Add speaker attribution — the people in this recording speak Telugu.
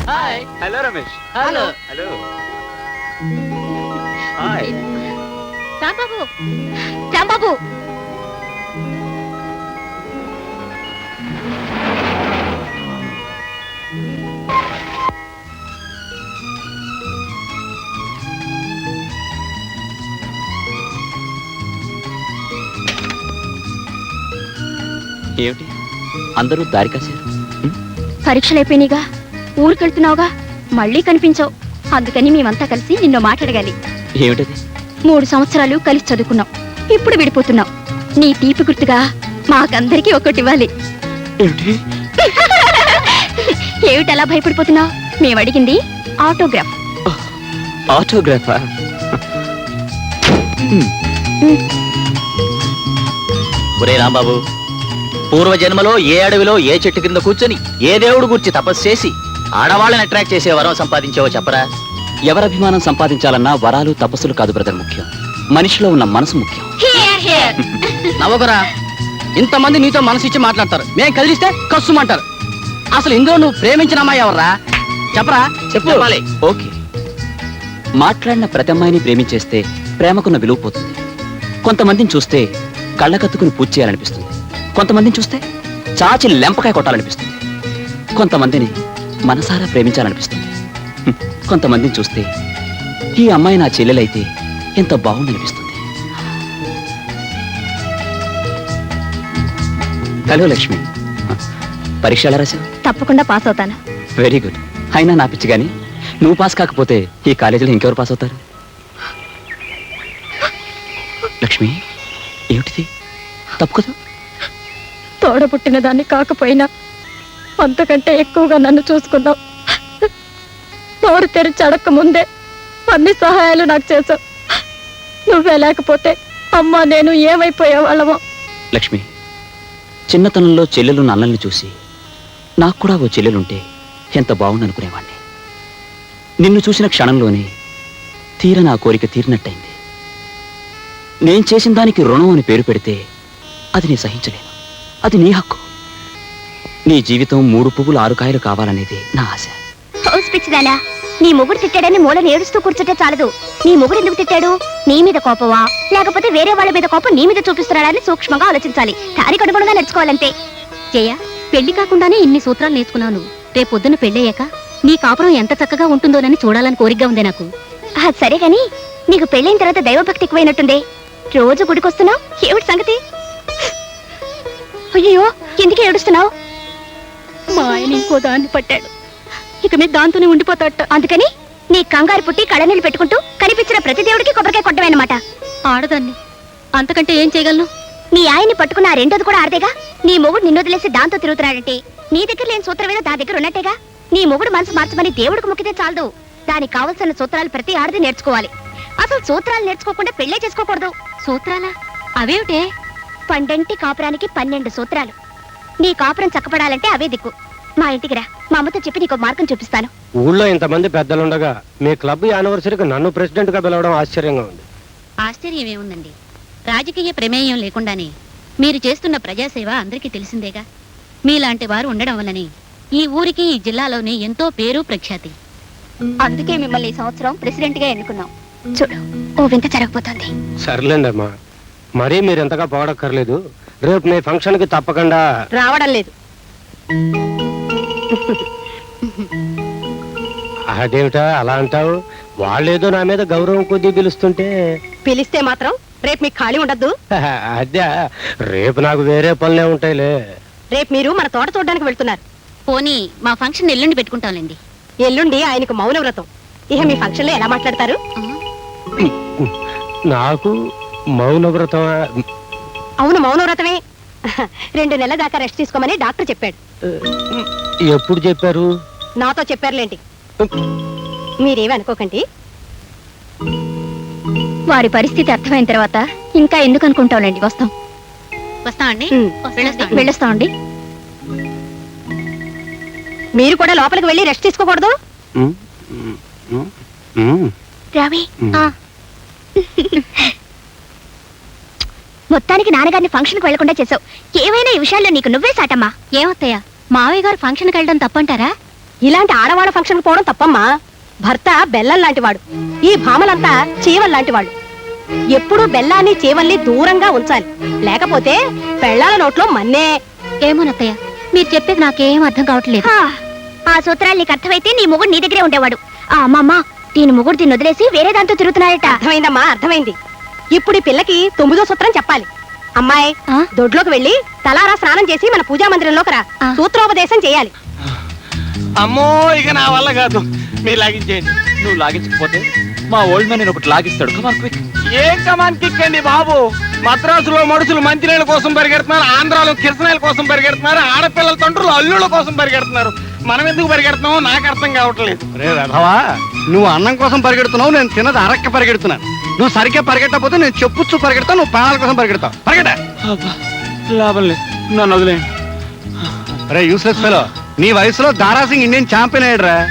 Speaker 1: Hi.
Speaker 2: Hello Ramesh.
Speaker 1: Hello.
Speaker 2: Hello. Hi.
Speaker 3: Rambabu, Rambabu.
Speaker 2: ఏమిటి అందరూ దారి కాశారు?
Speaker 3: పరీక్షలు అయిపోయినాయిగా, ఊరికెళ్తున్నావుగా, మళ్ళీ కనిపించావు. అందుకని మేమంతా కలిసి నిన్ను మాట్లాడగాలి.
Speaker 2: ఏమిటది?
Speaker 3: 3 సంవత్సరాలు కలిసి చదువుకున్నాం, ఇప్పుడు విడిపోతున్నాం. నీ తీపి గుర్తుగా మాకందరికీ ఒక్కటి ఇవ్వాలి.
Speaker 2: ఏమిటి?
Speaker 3: ఏమిటలా భయపడిపోతున్నావు? మేము అడిగింది ఆటోగ్రాఫ్.
Speaker 2: ఆటోగ్రాఫా? ఒరే రాంబాబు, పూర్వజన్మలో ఏ అడవిలో ఏ చెట్టు కింద కూర్చొని ఏ దేవుడు గురించి తపస్సు చేసి ఆడవాళ్ళని అట్రాక్ట్ చేసే వరం సంపాదించావో చెప్పరా? ఎవరభిమానం సంపాదించాలన్నా వరాలు తపస్సులు కాదు బ్రదర్ ముఖ్యం, మనిషిలో ఉన్న మనసు ముఖ్యం.
Speaker 1: నవ్వకురా, ఇంతమంది నీతో మనసు ఇచ్చి మాట్లాడతారు, మేం కదిలిస్తే కస్సుమంటారు. అసలు ఇందులో నువ్వు ప్రేమించిన అమ్మాయి ఎవర్రా? చెప్పరా? చెప్పాలి.
Speaker 2: ఓకే, మాట్లాడిన ప్రతి అమ్మాయిని ప్రేమించేస్తే ప్రేమకున్న విలువ పోతుంది. కొంతమందిని చూస్తే కళ్ళకత్తుకుని పూజ చేయాలనిపిస్తుంది, కొంతమందిని చూస్తే చాచి లెంపకాయ కొట్టాలనిపిస్తుంది, కొంతమందిని మనసారా ప్రేమించాలనిపిస్తుంది. కొంతమందిని చూస్తే ఈ అమ్మాయి నా చెల్లెలైతే ఎంత బాగుందనిపిస్తుంది. హలో లక్ష్మి, పరీక్ష ఎలా రాశావు?
Speaker 3: తప్పకుండా పాస్ అవుతాను.
Speaker 2: Very good. అయినా నా పిచ్చి కానీ నువ్వు పాస్ కాకపోతే ఈ కాలేజీలో ఇంకెవరు పాస్ అవుతారు? లక్ష్మి, ఏమిటిది? తప్పు కదా?
Speaker 3: తోడబుట్టిన దాన్ని కాకపోయినా అంతకంటే ఎక్కువగా నన్ను చూసుకున్నావు. నోరు తెరిచి అడక్క ముందే అన్ని సహాయాలు నాకు చేశావు. నువ్వే లేకపోతే అమ్మా నేను ఏమైపోయే వాళ్ళమో.
Speaker 2: లక్ష్మి, చిన్నతనంలో చెల్లెలు అన్నల్ని చూసి నాకు కూడా ఓ చెల్లెలుంటే ఎంత బాగుందనుకునేవాణ్ణి. నిన్ను చూసిన క్షణంలోనే తీర నా కోరిక తీరినట్టయింది. నేను చేసిన దానికి రుణం అని పేరు పెడితే అది నీ సహించలేను. అది నీ హక్కు. నీ జీవితం 3 పువ్వులు 6 కాయలు కావాలనేది నా ఆశ.
Speaker 3: పిచ్చిదానా, నీ మొగుడు తిట్టాడని మూలని ఏడుస్తూ కూర్చుంటే చాలదు. నీ మొగుడు ఎందుకు తిట్టాడు? నీ మీద కోపమా, లేకపోతే వేరే వాళ్ళ మీద కోపం నీ మీద చూపిస్తున్నాడని సూక్ష్మంగా ఆలోచించాలి. దానికి అనుగుణంగా నడుచుకోవాలంతే. జయ, పెళ్లి కాకుండానే ఇన్ని సూత్రాలు నేర్చుకున్నాను. రేపొద్దున పెళ్ళయ్యాక నీ కాపురం ఎంత చక్కగా ఉంటుందోనని చూడాలని కోరికగా ఉంది నాకు. సరే గాని నీకు పెళ్ళైన తర్వాత దైవభక్తి ఎక్కువైనట్టుందే. రోజు గుడికొస్తున్నావు, ఏమిటి సంగతి? అయ్యో, ఎందుకు ఏడుస్తున్నావు? మా ఆయన ఇంకో దాన్ని పట్టాడు, ఇక మీద దాంతోనే ఉండిపోతాట. అందుకని నీ కంగారు పుట్టి కళ్ళనీళ్ళు పెట్టుకుంటూ కనిపించిన ప్రతి దేవుడికి కొబ్బరికాయ కొట్టమేనమాట. ఆడదాన్ని, అంతకంటే ఏం చేయగలను? నీ ఆయన్ని పట్టుకున్న ఆ రెండోది కూడా ఆడదేగా. నీ మొగుడు నిన్ను వదిలేసి దాంతో తిరుగుతున్నాడంటే నీ దగ్గర లేని సూత్రం ఏదో దా దగ్గర ఉన్నట్టేగా. నీ మొగుడు మనసు మార్చమని దేవుడికి మొక్కితే చాలదు. దానికి కావలసిన సూత్రాలు ప్రతి ఆడది నేర్చుకోవాలి. అసలు సూత్రాలు నేర్చుకోకుండా పెళ్లే చేసుకోకూడదు. సూత్రాలా? అవేమిటే? పండంటి కాపురానికి 12 సూత్రాలు. నీ కాపురం చక్కపడాలంటే అవే దిక్కు. మా ఇంటికి రా, మా అమ్మతో చెప్పి నీకు మార్గం చూపిస్తాను.
Speaker 4: ఊళ్ళో ఇంతమంది పెద్దలుండగా మీ క్లబ్ యానివర్సరీకి నన్ను ప్రెసిడెంట్ గా పిలవడం ఆశ్చర్యంగా ఉంది.
Speaker 5: ఆశ్చర్యం ఏముందండి? రాజకీయ ప్రమేయం లేకుండానే మీరు చేస్తున్న ప్రజాసేవ అందరికీ తెలిసిందేగా. మీలాంటి వారు ఉండడం వల్లనే ఈ ఊరికి ఈ జిల్లాలోనే ఎంతో పేరు ప్రఖ్యాతి.
Speaker 3: అందుకే మిమ్మల్ని ఈ సంవత్సరం ప్రెసిడెంట్ గా ఎన్నుకున్నాం. చూడు, ఓ వింత జరగబోతోంది.
Speaker 4: సర్లేండి అమ్మా, మరీ మీరు ఎంతగా పొగడక్కర్లేదు. రేపు మీ ఫంక్షన్ కి తప్పకుండా
Speaker 3: రావడం లేదు.
Speaker 4: అదేమిటా అలా అంటావు? వాళ్ళేదో నా మీద గౌరవం కొద్దీ పిలుస్తుంటే.
Speaker 3: పిలిస్తే మాత్రం రేపు మీకు ఖాళీ ఉండద్దు.
Speaker 4: అదే, రేపు నాకు వేరే పనులే ఉంటాయిలే.
Speaker 3: రేపు మీరు మన తోట చూడడానికి వెళ్తున్నారు.
Speaker 5: పోనీ మా ఫంక్షన్ ఎల్లుండి పెట్టుకుంటాంలేండి.
Speaker 3: ఎల్లుండి ఆయనకు మౌన వ్రతం. ఇక మీ ఫంక్షన్ లో ఎలా మాట్లాడతారు?
Speaker 4: నాకు మౌనవ్రతం?
Speaker 3: అవును, మౌన వ్రతమే. 2 నెలల దాకా రెస్ట్ తీసుకోమని డాక్టర్ చెప్పాడు.
Speaker 4: ఎప్పుడు చెప్పారు?
Speaker 3: నాతో చెప్పారులేంటి. మీరేమి అనుకోకండి. వారి పరిస్థితి అర్థమైన తర్వాత ఇంకా ఎందుకు అనుకుంటాంలేండి. వస్తాం.
Speaker 5: వస్తామండి.
Speaker 3: వెళ్ళొస్తామండి. మీరు కూడా లోపలికి వెళ్ళి రెస్ట్ తీసుకోకూడదు. రవి, మొత్తానికి నాన్నగారిని ఫంక్షన్ కు వెళ్లకుండా చేసావు. ఏమైనా ఈ విషయాల్లో నీకు నువ్వే సాటమ్మా.
Speaker 5: ఏమత్తయ్యా, మావయ్య గారు ఫంక్షన్కి వెళ్ళడం తప్పంటారా?
Speaker 3: ఇలాంటి ఆడవాళ్ళ ఫంక్షన్ పోవడం తప్పమ్మా. భర్త బెల్లం లాంటివాడు, ఈ భామలంతా చీవల్ లాంటివాళ్ళు. ఎప్పుడూ బెల్లాన్ని చీవల్ని దూరంగా ఉంచాలి, లేకపోతే పెళ్ళాల నోట్లో మన్నే.
Speaker 5: ఏమోనత్తయ్య, మీరు చెప్పేది నాకేం అర్థం కావట్లేదు.
Speaker 3: ఆ సూత్రాలు నీకు అర్థమైతే నీ మొగుడు నీ దగ్గరే ఉండేవాడు. ఆ అమ్మమ్మ, దీని మొగుడు దీన్ని వదిలేసి వేరే దాంతో తిరుగుతున్నాడట. అర్థమైందమ్మా, అర్థమైంది. ఇప్పుడు ఈ పిల్లకి 9వ సూత్రం చెప్పాలి. అమ్మాయి, దొడ్లోకి వెళ్ళి తలారా స్నానం చేసి మన పూజా మందిరంలోకి రా. సూత్రోపదేశం చేయాలి.
Speaker 6: అమ్మో ఇక నా వల్ల కాదు, మీరు లాగించేయండి.
Speaker 2: నువ్వు లాగించకపోతే మా ఓల్డ్ మ్యాన్ నేను ఒకటి లాగిస్తాడు. Come on quick.
Speaker 6: ఏం కమాన్ కిక్ అండి బాబు. మద్రాసులో మనుషులు మంచినీళ్ళ కోసం పరిగెడుతున్నారు, ఆంధ్రాలో కిరసనాయల కోసం పరిగెడుతున్నారు, ఆడపిల్లల తండ్రులు అల్లుళ్ళ కోసం పరిగెడుతున్నారు. మనం ఎందుకు పరిగెడుతున్నామో నాకు అర్థం కావట్లేదు.
Speaker 4: రే రథవా, నువ్వు అన్నం కోసం పరిగెడుతున్నావు, నేను తిన్నది అరక్క పరిగెడుతున్నాను. నువ్వు సరిగ్గా పరిగెట్టకపోతే నేను చెప్పుచ్చు పరిగెడతావు, నువ్వు ప్రాణాల కోసం పరిగెడతావు. పరిగెట.
Speaker 2: లాభం లేదు, నన్ను వదిలేయండి.
Speaker 4: రే యూస్లెస్ ఫెలో, నీ వయసులో దారాసింగ్ ఇండియన్ ఛాంపియన్ అయ్యాడు రా.